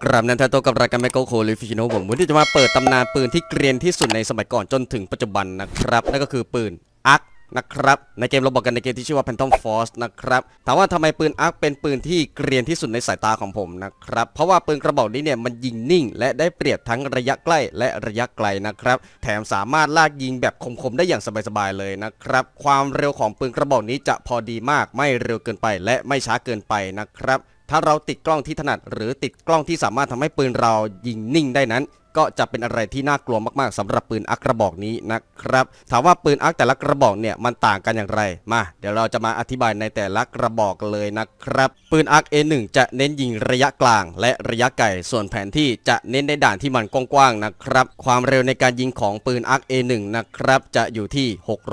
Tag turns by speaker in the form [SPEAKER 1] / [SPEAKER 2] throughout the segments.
[SPEAKER 1] กราบนันทโตกับรายการแมโกโคลิฟิชิโนผมวันนี้จะมาเปิดตำนานปืนที่เกรียนที่สุดในสมัยก่อนจนถึงปัจจุบันนะครับนั่นก็คือปืนอาร์คนะครับในเกมเราบอกกันในเกมที่ชื่อว่า Phantom Force นะครับถามว่าทำไมปืนอาร์คเป็นปืนที่เกรียนที่สุดในสายตาของผมนะครับเพราะว่าปืนกระบอกนี้เนี่ยมันยิงนิ่งและได้เปรียบทั้งระยะใกล้และระยะไกลนะครับแถมสามารถลากยิงแบบคมๆได้อย่างสบายๆเลยนะครับความเร็วของปืนกระบอกนี้จะพอดีมากไม่เร็วเกินไปและไม่ช้าเกินไปนะครับถ้าเราติดกล้องที่ถนัดหรือติดกล้องที่สามารถทำให้ปืนเรายิงนิ่งได้นั้นก็จะเป็นอะไรที่น่ากลัวมากๆสำหรับปืนอาร์คกระบอกนี้นะครับถามว่าปืนอาร์คแต่ละกระบอกเนี่ยมันต่างกันอย่างไรมาเดี๋ยวเราจะมาอธิบายในแต่ละกระบอกเลยนะครับปืนอาร์ค A1 จะเน้นยิงระยะกลางและระยะไกลส่วนแผนที่จะเน้นในด่านที่มันกว้างๆนะครับความเร็วในการยิงของปืนอาร์ค A1 นะครับจะอยู่ที่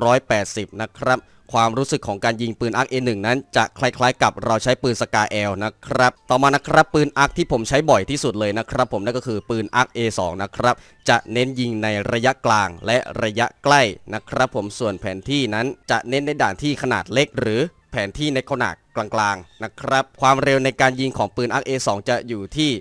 [SPEAKER 1] 680นะครับความรู้สึกของการยิงปืนอาร์ค A1 นั้นจะคล้ายๆกับเราใช้ปืนสกาแอลนะครับต่อมานะครับปืนอาร์คที่ผมใช้บ่อยที่สุดเลยนะครับผมนั่นก็คือปืนอาร์ค A2 นะครับจะเน้นยิงในระยะกลางและระยะใกล้นะครับผมส่วนแผนที่นั้นจะเน้นในด่านที่ขนาดเล็กหรือแผนที่ในขนาดกลางๆนะครับความเร็วในการยิงของปืนอาร์ค A2 จะอยู่ที่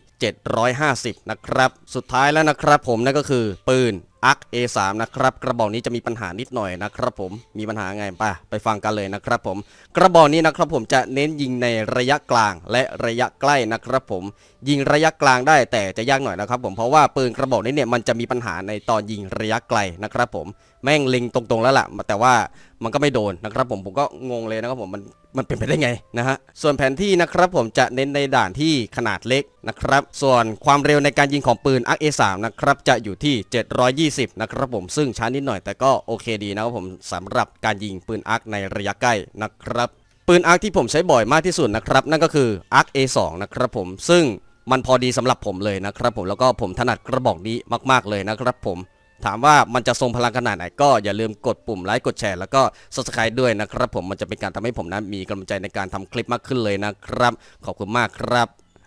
[SPEAKER 1] 750นะครับสุดท้ายแล้วนะครับผมนั่นก็คือปืนอาร์ค A3 นะครับกระบอกนี้จะมีปัญหานิดหน่อยนะครับผมมีปัญหาไงไปฟังกันเลยนะครับผมกระบอกนี้นะครับผมจะเน้นยิงในระยะกลางและระยะใกล้นะครับผมยิงระยะกลางได้แต่จะยากหน่อยนะครับผมเพราะว่าปืนกระบอกนี้เนี่ยมันจะมีปัญหาในตอนยิงระยะไกลนะครับผมแม่งเล็งตรงๆแล้วล่ะแต่ว่ามันก็ไม่โดนนะครับผมก็งงเลยนะครับผมมันเป็นไปได้ไงนะฮะส่วนแผนที่นะครับผมจะเน้นในด่านที่ขนาดเล็กนะครับส่วนความเร็วในการยิงของปืน ARC A3 นะครับจะอยู่ที่720นะครับผมซึ่งช้านิดหน่อยแต่ก็โอเคดีนะครับผมสำหรับการยิงปืน ARC ในระยะใกล้นะครับปืน ARC ที่ผมใช้บ่อยมากที่สุดนะครับนั่นก็คือ ARC A2 นะครับผมซึ่งมันพอดีสำหรับผมเลยนะครับผมแล้วก็ผมถนัดกระบอกนี้มากๆเลยนะครับผมถามว่ามันจะทรงพลังขนาดไหนก็อย่าลืมกดปุ่มไลค์กดแชร์แล้วก็ Subscribe ด้วยนะครับผมมันจะเป็นการทำให้ผมนั้นมีกำลังใจในการทำคลิปมากขึ้นเลยนะครับขอบคุณมากครับ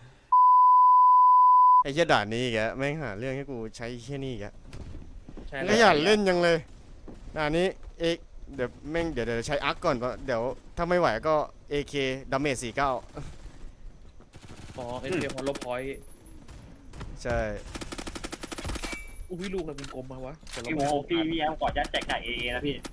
[SPEAKER 1] ไอ้เหี้ยด่านนี้แกแม่งหาเรื่องให้กูใช้แค่นี้แกก็อยากเล่นยังเลยด่านนี้เดี๋ยวแม่งเดี๋ยวใช้อาร์คก่อนเพราะเดี๋ยวถ้าไม่ไหวก็ AK ดาเมจ49
[SPEAKER 2] อ๋อเอ็นเกมฮอลโลพอยต์
[SPEAKER 1] ใช่
[SPEAKER 2] อุ้ยลูกอะไรเป็นกลมมาวะ
[SPEAKER 3] พี่โมพี่แอมกอดยัดแจกไก่เอนะพี่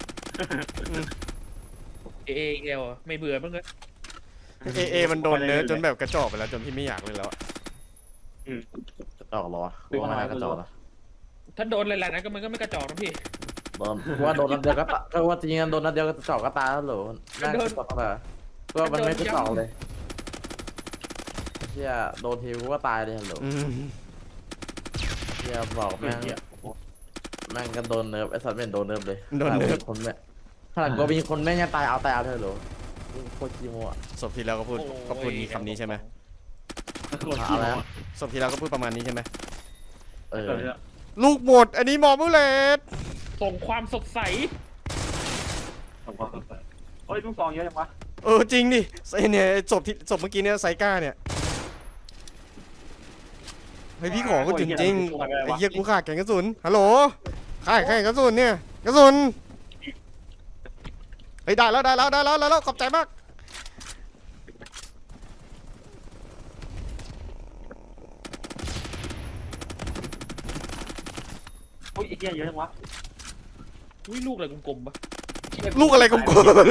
[SPEAKER 2] เอลไม่เบื่อบ้างเลย
[SPEAKER 1] เอมันโดนเนื้อจนแบบกระจอกไปแล้วจนพี่ไม่อยากเลยแล้ว
[SPEAKER 4] กระจอกเหรอว่ามันกระจอกเหรอ
[SPEAKER 2] ถ้าโดนหลายๆนั้นก็มันก็ไม่กระจอกนะพี่
[SPEAKER 4] โดนว่าโดนนัดเดียวก็ว่าจริงๆโดนนัดเดียวก็กระจอกก็ตายแล้วเหรอน่ากระจอกแต่ก็มันไม่กระจอกเลยเชี่ยโดนทีก็ตายเลยเหรอเชี่ยบอกแม่งก็โดนเนิร์ฟไอ้สัตว์ไม่โดนเนิร์ฟเลยโดนเนิร์ฟคนแม่ขนาดก็มีคนแม่งยังตายเอาเธอเหรอโคตรขี้โม่
[SPEAKER 1] ศพที่แล้วก็พูดมีคำนี้ใช่ไหม
[SPEAKER 4] อะไร
[SPEAKER 1] ศพที่แล้วก็พูดประมาณนี้ใช่ไหม
[SPEAKER 4] ลู
[SPEAKER 1] กหมดอันนี้มอบูเลต
[SPEAKER 2] ส่งความสดใส
[SPEAKER 3] โอ้ยลูกซองเยอะจังวะ
[SPEAKER 1] จริงดิเนี่ยศพเมื่อกี้เนี่ยไซก้าเนี่ยเฮ้ยพี่ขอก็จริงไอ้เหี้ยกูขาดแกงกระสุนฮัลโหลขาดแกงกระสุนเนี่ยกระสุนเฮ้ยได้แล้วขอบใจมาก
[SPEAKER 3] โอ้ยไอ้เหี้ยเยอะจังวะ
[SPEAKER 2] อุ้ยลูกอะไรกลมๆปะ
[SPEAKER 1] ลูกอะไรกลม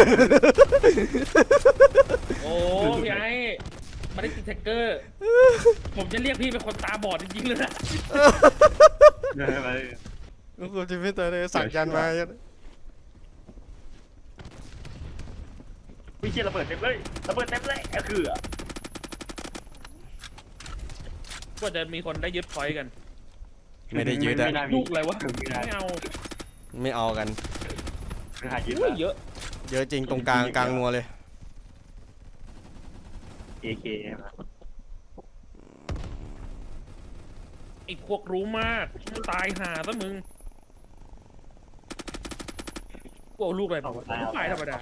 [SPEAKER 2] โอ้พี่ไอ้มาได้ติดแท็กเกอร์ผมจะเรียกพี่เป็นคนตาบอดจริงๆเลยนะ
[SPEAKER 1] ลูกจะไม่ตายเลยสั่งยันมา
[SPEAKER 3] พี่เชี่ยระเบิดเต็มเลยคือ
[SPEAKER 2] ก็จะมีคนได้ยึดพอยต์กัน
[SPEAKER 1] ไม่ได้ยึดอะ
[SPEAKER 2] ลูกอะไรวะ
[SPEAKER 1] ไม่เอากัน
[SPEAKER 2] เยอะ
[SPEAKER 1] จริงตรงกลางนัวเลย
[SPEAKER 3] AK
[SPEAKER 2] ไอ้พวกรู้มากตายห่าซะมึงโอ้ลูกอะไรตายธรรมดา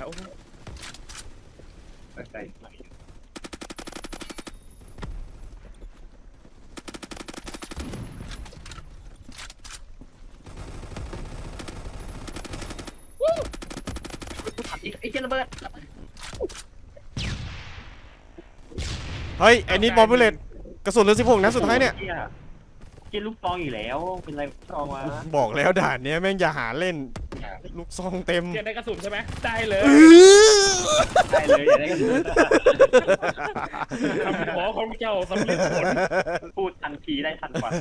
[SPEAKER 3] ไอ้เจ้าระเบิด
[SPEAKER 1] เฮ้ยไอ้นี่มอบูเลตกระสุนเหลือ16นัดสุดท้ายเนี่ย
[SPEAKER 3] เกียลูกซองอยู่แล้วเป็นไรซองวะ
[SPEAKER 1] บอกแล้วด่านเนี้ยแม่งอย่าหาเล่นลูกซองเต็ม
[SPEAKER 2] เกียร์ได้กระสุนใช่ไหมได้เลย
[SPEAKER 3] ได้เลยอย่าได้กัน
[SPEAKER 2] คำขอของเจ้าสำเร็จผล
[SPEAKER 3] พูดทันทีได้ทันกว่า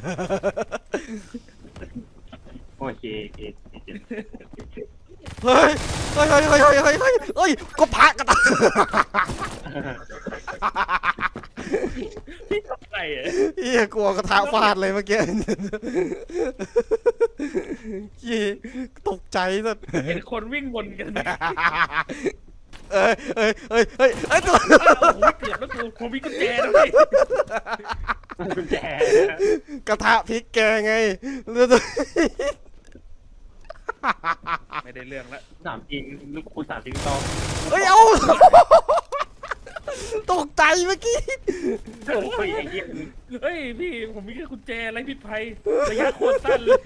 [SPEAKER 3] โอเคโอเค
[SPEAKER 1] เฮ้ยเฮ้ยเฮ้ยเฮ้ยเฮ้ยเฮ้ยเฮ้ยเฮ้ยก็พระกระตา
[SPEAKER 2] พี่ทำไงอ่ะ
[SPEAKER 1] เฮียกลัวกระทะฟาดเลยเมื่อกี้เฮียตกใจสุด
[SPEAKER 2] เห็นคนวิ่งวนกันไหม
[SPEAKER 1] เอ้ยเอ้ยเอ้ยเอ้ยเอ้ยตัว
[SPEAKER 2] โอ้โหเกือบแล้วกูผมมีกุญแจนะพี่
[SPEAKER 3] กุญแจ
[SPEAKER 1] กระทะพริกแกงไง
[SPEAKER 2] ไม่ได้เรื่องละ
[SPEAKER 3] สามจริงลูกคุณสามจริงซอง
[SPEAKER 1] เฮ้ยเอาตกใจเมื่อกี้
[SPEAKER 3] โอ้ยไอ้เหี้ย
[SPEAKER 2] เฮ้ยพี่ผมมีแค่กุญแจไรพิษภัยระยะโคตรสั้นเลย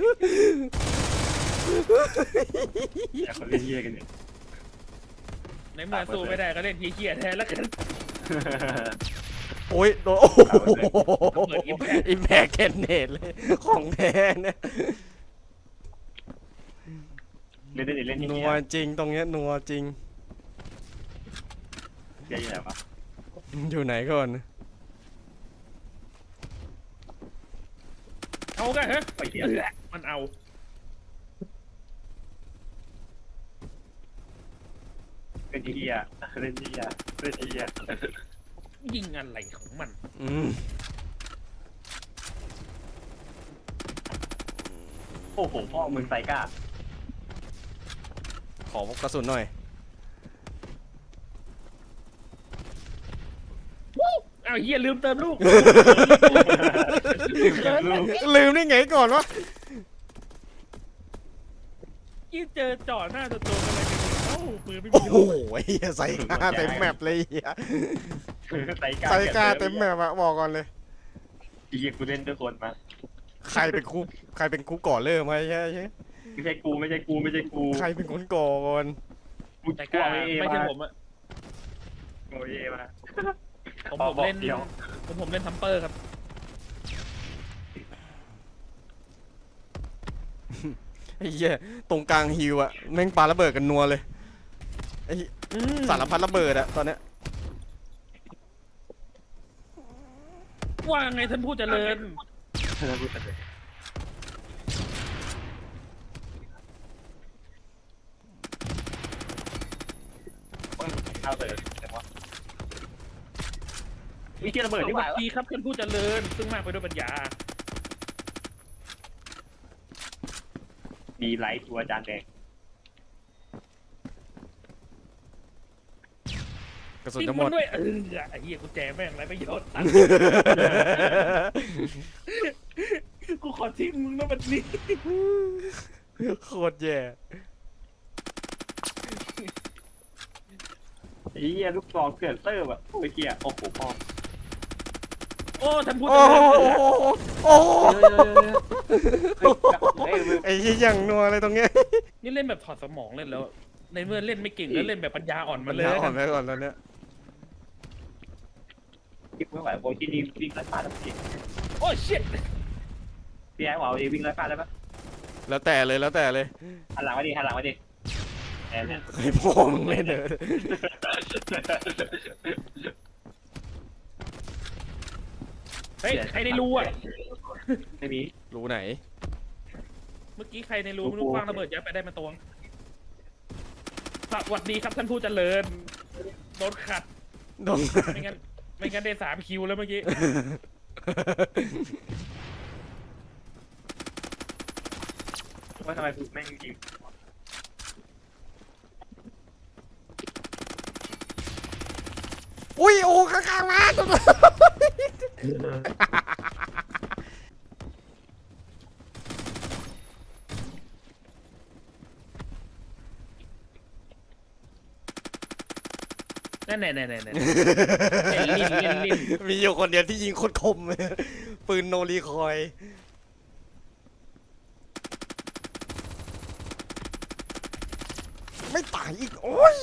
[SPEAKER 3] อยากเขาเล่นเหี้ยกันเนี่ย
[SPEAKER 2] ในเมื่อสู้ไม่ได้ก็เล่นเหี้ยๆแทนแล้วกัน
[SPEAKER 1] โอ้ยโดนโอ้โห
[SPEAKER 2] เปิด
[SPEAKER 1] อิมแพคเคนเนตเลยของแท้เนี่ย
[SPEAKER 3] เล่นเล่น
[SPEAKER 1] นั
[SPEAKER 3] เหี้
[SPEAKER 1] วย จริงตรงเนี้ยนัวจริง
[SPEAKER 3] เหี้ยอยู่ไหนวะ
[SPEAKER 1] อยู่ไหนก่อน
[SPEAKER 2] เอากันฮะ
[SPEAKER 3] ไอ้เหี้ย
[SPEAKER 2] มันเอา
[SPEAKER 3] เล่นเหี้ยเล่นเหี้ยเล่นเหี้ย
[SPEAKER 2] ยิงอะไรของมัน
[SPEAKER 3] โอ้โหพ่อมึงไซก้า
[SPEAKER 1] ขอกระสุนหน่อย
[SPEAKER 2] อ้าวเหี้ยลืมเติมลูก
[SPEAKER 1] ลืมได้ไงก่อนวะ
[SPEAKER 2] ยี่เจอจ่อหน้าตัวกันเลยเอ้าปืนไม่
[SPEAKER 1] โอ้
[SPEAKER 2] มี
[SPEAKER 1] โห
[SPEAKER 2] ลูก
[SPEAKER 1] เฮียใส่กล้าเต็มแมปเลยเฮีย
[SPEAKER 3] ไซก้า
[SPEAKER 1] ใส่กล้าเต็มแมปอะบอกก่อนเลย
[SPEAKER 3] ไอ้เหี้ยกูเล่นด้วยคนมา
[SPEAKER 1] ใครเป็นคู่ก่อเริ่มไหมใช่
[SPEAKER 3] ไม่ใช่กูไม่ใช่กูไม่ใช่กู
[SPEAKER 1] ใครเป็นคนก่อก่อน
[SPEAKER 3] กู
[SPEAKER 2] แต่
[SPEAKER 3] กลั
[SPEAKER 2] ก็
[SPEAKER 3] วเอ
[SPEAKER 2] ไม่ใช่
[SPEAKER 3] มา
[SPEAKER 2] ผมอะ
[SPEAKER 3] โอ้ยมา
[SPEAKER 2] ผมเล่น
[SPEAKER 3] เดียว
[SPEAKER 2] ผมเล่นทัมเปอร์ครับ
[SPEAKER 1] ไอ้เหี้ยตรงกลางฮิวอะแม่งปาระเบิดกันนัวเลยไอ้สารพัดระเบิดอะตอนเนี้ย
[SPEAKER 2] ว่าไงท่านผู้เจริญ
[SPEAKER 3] เอาเลยมีเกียร์ระเบิด
[SPEAKER 2] ส
[SPEAKER 3] ดีก
[SPEAKER 2] วั
[SPEAKER 3] ว่า
[SPEAKER 2] สดีครับท่านผู้เจริญ ซึ่งมากไปด้วยปัญญา
[SPEAKER 3] มีไลท์ตัวจานแดง
[SPEAKER 1] กระสุน
[SPEAKER 2] ทิ้ง
[SPEAKER 1] จะหม
[SPEAKER 2] มั
[SPEAKER 1] ด
[SPEAKER 2] นด้วยไอ้เหี้ยกุญแจแม่งไรประโยชน์กูขอทิ้งมึงนะวันนี้
[SPEAKER 1] โคตรแย่
[SPEAKER 3] ไอ้เหี้ยลูกซองเกิดเตอร์แบบโอ้ยเกียร์โอ้โหพ่อ
[SPEAKER 2] โอ้ท่านผู้
[SPEAKER 1] โอ้
[SPEAKER 2] เจริญ
[SPEAKER 1] โหโอ้โห
[SPEAKER 3] เฮ้ยมึง
[SPEAKER 1] ไอ้ยี่อย่างนัวอะไรตรงเนี้ย
[SPEAKER 2] นี่เล่นแบบถอดสมองเล่นแล้ว ในเมื่อเล่นไม่เก่งแล้วเล่นแบบปัญญาอ่อนมาเลย
[SPEAKER 1] อ่อนไปก่อนตอนเนี้ย
[SPEAKER 3] คิดไม่ไหวโอ้ยที่นี่วิ่งไล่ฟาดแล้วพี่
[SPEAKER 2] โอ้ชิต
[SPEAKER 3] พี่ไอ้บอกวิ่งไล่ฟาดได้ปะ
[SPEAKER 1] แล้วแต่เลยแล้วแต่เลย
[SPEAKER 3] หันหลังมาดิหันหลังมาดิแอนเนี่ย
[SPEAKER 1] ไอ้พ่อมึงเล่นเถอะ
[SPEAKER 2] เฮ้ยใครในรูอ่ะ
[SPEAKER 3] ไม่มี
[SPEAKER 1] รู้ไหน
[SPEAKER 2] เมื่อกี้ใครในรูไม่รู้คว้างระเบิดยัดไปได้มาตวงสวัสดีครับท่านผู้เจริญโดนขัด
[SPEAKER 1] โดน
[SPEAKER 2] ไม่งั้นได้3 คิวแล้วเมื่อกี้
[SPEAKER 3] ว่าทำไมกูแม่งยิง
[SPEAKER 1] อุ้ยโอ้ข้างๆมา
[SPEAKER 2] นั่นเล่นลิ้น
[SPEAKER 1] มีอยู่คนเดียวที่ยิงโคตรคมเลยปืนโนรีคอย ไม่ตายอีก โอ้ย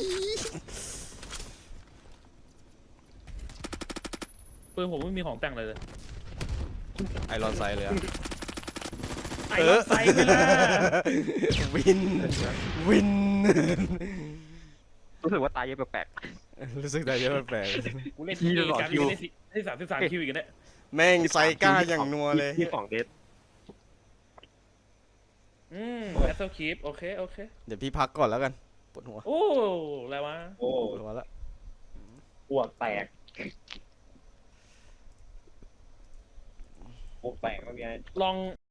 [SPEAKER 2] ปืนผมไม่มีของแต่งเลย
[SPEAKER 1] ไอรอนไซเลยอะ
[SPEAKER 2] ไอ้รถไฟไปละ
[SPEAKER 1] วิน วิน
[SPEAKER 3] รู้สึกว่าตายเยอะแปลก
[SPEAKER 1] รู้สึกได้เยอะแปลก
[SPEAKER 2] กูเล่น
[SPEAKER 3] ที่
[SPEAKER 2] ที่
[SPEAKER 3] ตลอด
[SPEAKER 2] การ
[SPEAKER 3] คิว
[SPEAKER 2] เล่นได้33คิวอีกแล้วเนี่ย
[SPEAKER 1] แม่งไซก้าอย่างนัวเลย
[SPEAKER 3] ที่2 เดท
[SPEAKER 2] แบทเทิลคีปโอเคโอเค
[SPEAKER 1] เดี๋ยวพี่พักก่อนแล้วกันปวดหัว
[SPEAKER 2] โอ้อะไรวะ
[SPEAKER 3] โอ้
[SPEAKER 1] ปวดหัวแล้ว
[SPEAKER 3] อ้วกแตกอ้วกแตกเมื่อกี้
[SPEAKER 2] ลอง